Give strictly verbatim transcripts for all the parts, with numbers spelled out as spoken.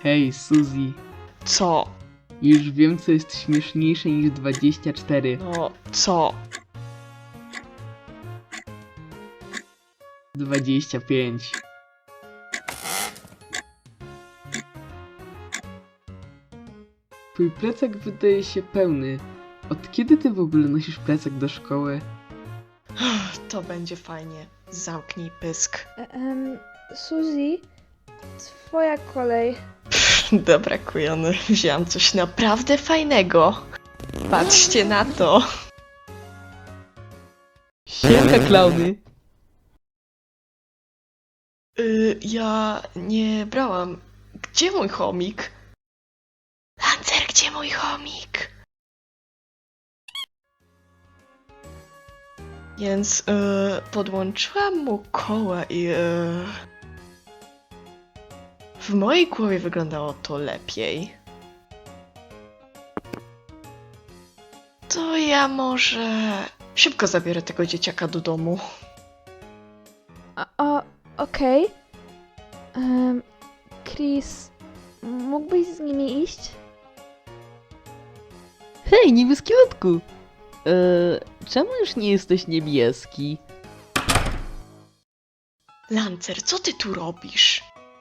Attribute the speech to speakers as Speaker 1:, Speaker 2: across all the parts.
Speaker 1: Hej, Suzy.
Speaker 2: Co?
Speaker 1: Już wiem, co jest śmieszniejsze niż dwadzieścia cztery.
Speaker 2: No, co?
Speaker 1: dwadzieścia pięć. Twój plecak wydaje się pełny. Od kiedy ty w ogóle nosisz plecak do szkoły?
Speaker 2: To będzie fajnie. Zamknij pysk.
Speaker 3: Um, Suzy, twoja kolej.
Speaker 2: Dobra, kujony. Wziąłem coś naprawdę fajnego. Patrzcie na to.
Speaker 1: Siemka, klauny!
Speaker 2: Y, ja nie brałam. Gdzie mój chomik? Lancer, gdzie mój chomik? Więc y, podłączyłam mu koła i y, w mojej głowie wyglądało to lepiej. To ja może szybko zabiorę tego dzieciaka do domu.
Speaker 3: A, o, okej. Em, Chris, mógłbyś z nimi iść?
Speaker 4: Hej, niebieski lotku! Eee, czemu już nie jesteś niebieski?
Speaker 2: Lancer, co ty tu robisz?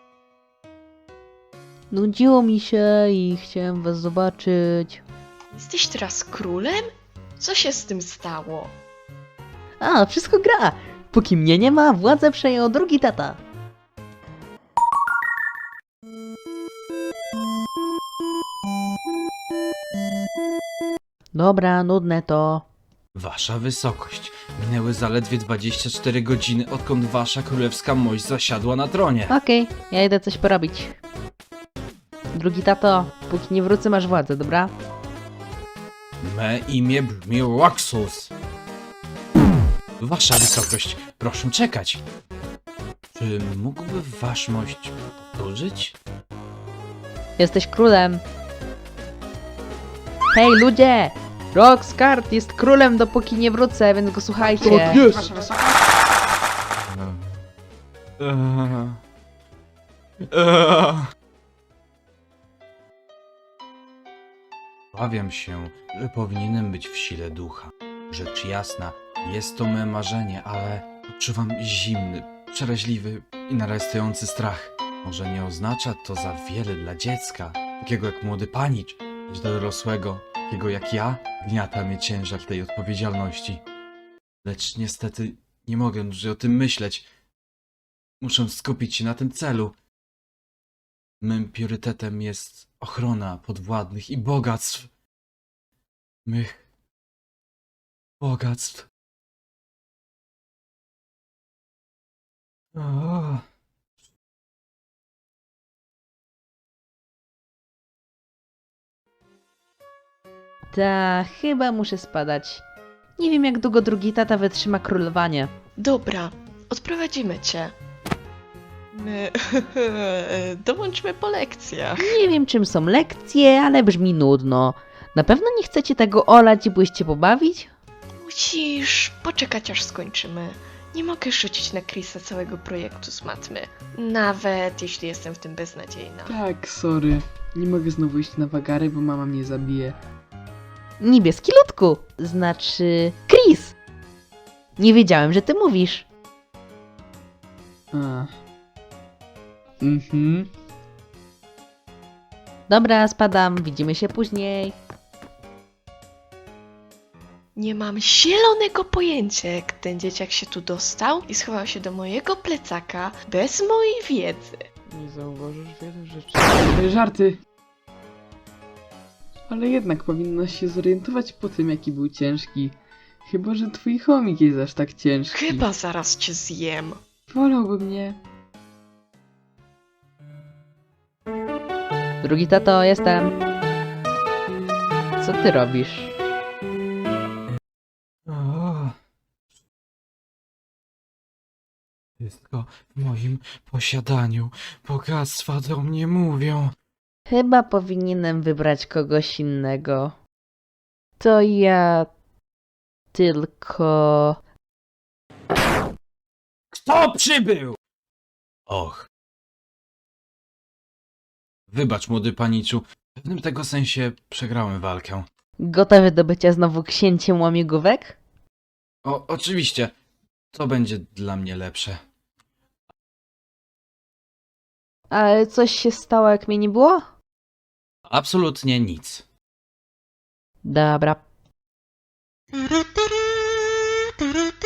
Speaker 4: Nudziło mi się i chciałem was zobaczyć.
Speaker 2: Jesteś teraz królem? Co się z tym stało?
Speaker 4: A, wszystko gra! Póki mnie nie ma, władzę przejął drugi tata. Dobra, nudne to.
Speaker 5: Wasza wysokość, minęły zaledwie dwadzieścia cztery godziny, odkąd wasza królewska mość zasiadła na tronie.
Speaker 4: Okej, ja idę coś porobić. Drugi tato, póki nie wrócę, masz władzę, dobra?
Speaker 5: Me imię brzmi Roxus. Wasza wysokość, proszę czekać. Czy mógłby wasz mość powtórzyć?
Speaker 4: Jesteś królem. Hej, ludzie! Roxcart jest królem, dopóki nie wrócę, więc go słuchajcie.
Speaker 1: jest!
Speaker 5: Eee. Eee. Obawiam się, że powinienem być w sile ducha. Rzecz jasna, jest to me marzenie, ale odczuwam zimny, przeraźliwy i narastający strach. Może nie oznacza to za wiele dla dziecka, takiego jak młody panicz, lecz dla dorosłego, takiego jak ja, gniata mnie ciężar tej odpowiedzialności. Lecz niestety nie mogę dłużej o tym myśleć. Muszę skupić się na tym celu. Mym priorytetem jest ochrona podwładnych i bogactw. Mych bogactw. O.
Speaker 4: Ta, chyba muszę spadać. Nie wiem, jak długo drugi tata wytrzyma królowanie.
Speaker 2: Dobra, odprowadzimy cię. My dołączmy po lekcjach.
Speaker 4: Nie wiem, czym są lekcje, ale brzmi nudno. Na pewno nie chcecie tego olać i pójście pobawić?
Speaker 2: Musisz poczekać, aż skończymy. Nie mogę rzucić na Chrisa całego projektu z matmy. Nawet jeśli jestem w tym beznadziejna.
Speaker 1: Tak, sorry. Nie mogę znowu iść na wagary, bo mama mnie zabije.
Speaker 4: Niebieski ludku, znaczy Chris. Nie wiedziałem, że ty mówisz.
Speaker 1: A. Mhm.
Speaker 4: Dobra, spadam, widzimy się później.
Speaker 2: Nie mam zielonego pojęcia, jak ten dzieciak się tu dostał i schował się do mojego plecaka bez mojej wiedzy.
Speaker 1: Nie zauważysz wiele rzeczy. Żarty. Ale jednak powinnaś się zorientować po tym, jaki był ciężki. Chyba, że twój chomik jest aż tak ciężki.
Speaker 2: Chyba zaraz cię zjem.
Speaker 1: Wolałbym nie.
Speaker 4: Drugi tato, jestem. Co ty robisz?
Speaker 5: O. Wszystko w moim posiadaniu. Bogactwa do mnie mówią.
Speaker 4: Chyba powinienem wybrać kogoś innego. To ja tylko...
Speaker 5: Kto przybył? Och. Wybacz, młody paniczu. W pewnym tego sensie przegrałem walkę.
Speaker 4: Gotowy do bycia znowu księciem łamigłówek?
Speaker 5: O, oczywiście. To będzie dla mnie lepsze.
Speaker 4: Ale coś się stało, jak mnie nie było?
Speaker 5: Absolutnie nic.
Speaker 4: Dobra.